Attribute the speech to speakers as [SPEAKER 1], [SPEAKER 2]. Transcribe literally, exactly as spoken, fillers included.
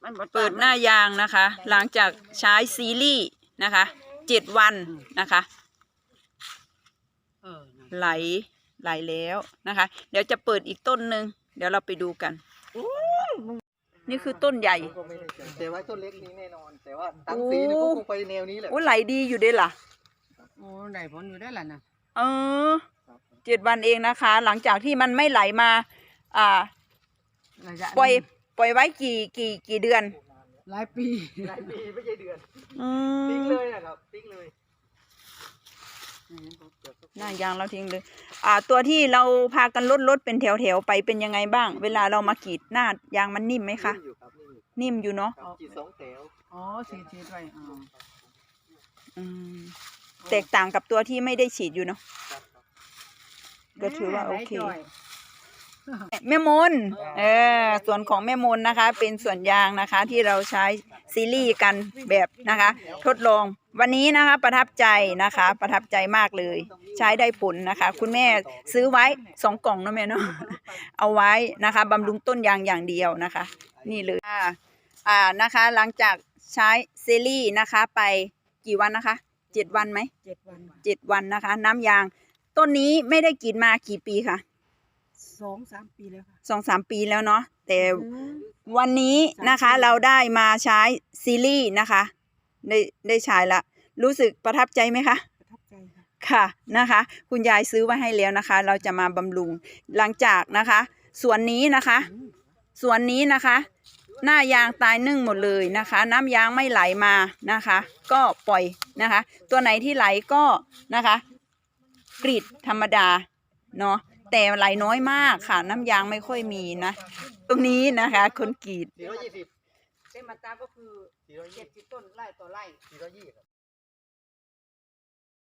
[SPEAKER 1] เปิดหน้ายางนะคะ หลังจากใช้ซีรีส์นะคะเจ็ดวันนะคะไหลไหลแล้วนะคะ เดี๋ยวจะเปิดอีกต้นหนึ่งเดี๋ยวเราไปดูกันนี่คือต้นใหญ่
[SPEAKER 2] แต่ว่าต้นเล็กนี้แน่นอนแต่ว่าตั้งสีนี่ก็คงไปแนวนี้แหละ
[SPEAKER 1] โอ้ไหลดีอยู่ด้วยล่ะ
[SPEAKER 3] โอ้ไหลผลอยู่ได้ล่ะนะ
[SPEAKER 1] เออเจ็ดวันเองนะคะ หลังจากที่มันไม่ไหลมาอ่าปล่อยปล่อยไว้กี่กี่กี่เดือน
[SPEAKER 3] หลายปี
[SPEAKER 2] หลายปีไม่ใช่เดือน
[SPEAKER 1] ทิ้
[SPEAKER 2] งเลยนะครับทิ้งเลย
[SPEAKER 1] หน้ายางเราทิ้งเลยอ่าตัวที่เราพากันลดลดเป็นแถวแถวไปเป็นยังไงบ้างเวลาเรามากรีดหน้ายางมันนิ่มไหมคะนิ่มอยู่เนาะ
[SPEAKER 2] กรีดสองแถว
[SPEAKER 3] อ๋อฉีดฉีดไปอ๋อ
[SPEAKER 1] อืมแตกต่างกับตัวที่ไม่ได้ฉีดอยู่เนาะก็ถือว่าโอเคแม่มนเออส่วนของแม่มนนะคะเป็นส่วนยางนะคะที่เราใช้ซีรีส์กันแบบนะคะทดลองวันนี้นะคะประทับใจนะคะประทับใจมากเลยใช้ได้ผลนะคะคุณแม่ซื้อไว้สองกล่องนะแม่เนาะเอาไว้นะคะบำรุงต้นยางอย่างเดียวนะคะนี่เลยอ่าอ่านะคะหลังจากใช้ซีรีส์นะคะไปกี่วันนะคะเจ็ดวันไหม
[SPEAKER 3] เจ็ดวัน
[SPEAKER 1] เจ็ดวันนะคะน้ำยางต้นนี้ไม่ได้กินมากี่ปีคะ
[SPEAKER 3] สองสามปีแล้วค่ะ
[SPEAKER 1] สองสามปีแล้วเนาะแต่วันนี้นะคะเราได้มาใช้ซีรีส์นะคะได้ได้ใช้ละรู้สึกประทับใจไหมคะ
[SPEAKER 3] ประทับใจค่ะ
[SPEAKER 1] ค่ะนะคะคุณยายซื้อไว้ให้แล้วนะคะเราจะมาบำรุงหลังจากนะคะส่วนนี้นะคะส่วนนี้นะคะหน้ายางตายนึ่งหมดเลยนะคะน้ำยางไม่ไหลมานะคะก็ปล่อยนะคะตัวไหนที่ไหลก็นะคะกรีดธรรมดาเนาะแต่ไหลน้อยมากค่ะน้ำยางไม่ค่อยมีนะตรงนี้นะคะคนกรีด
[SPEAKER 2] สี่ร้อยยี่สิบ
[SPEAKER 3] เต็มมาตราก็คือเจ็ดสิบต้นไร่ต่อไร่
[SPEAKER 2] สี่ร้อยยี่สิบ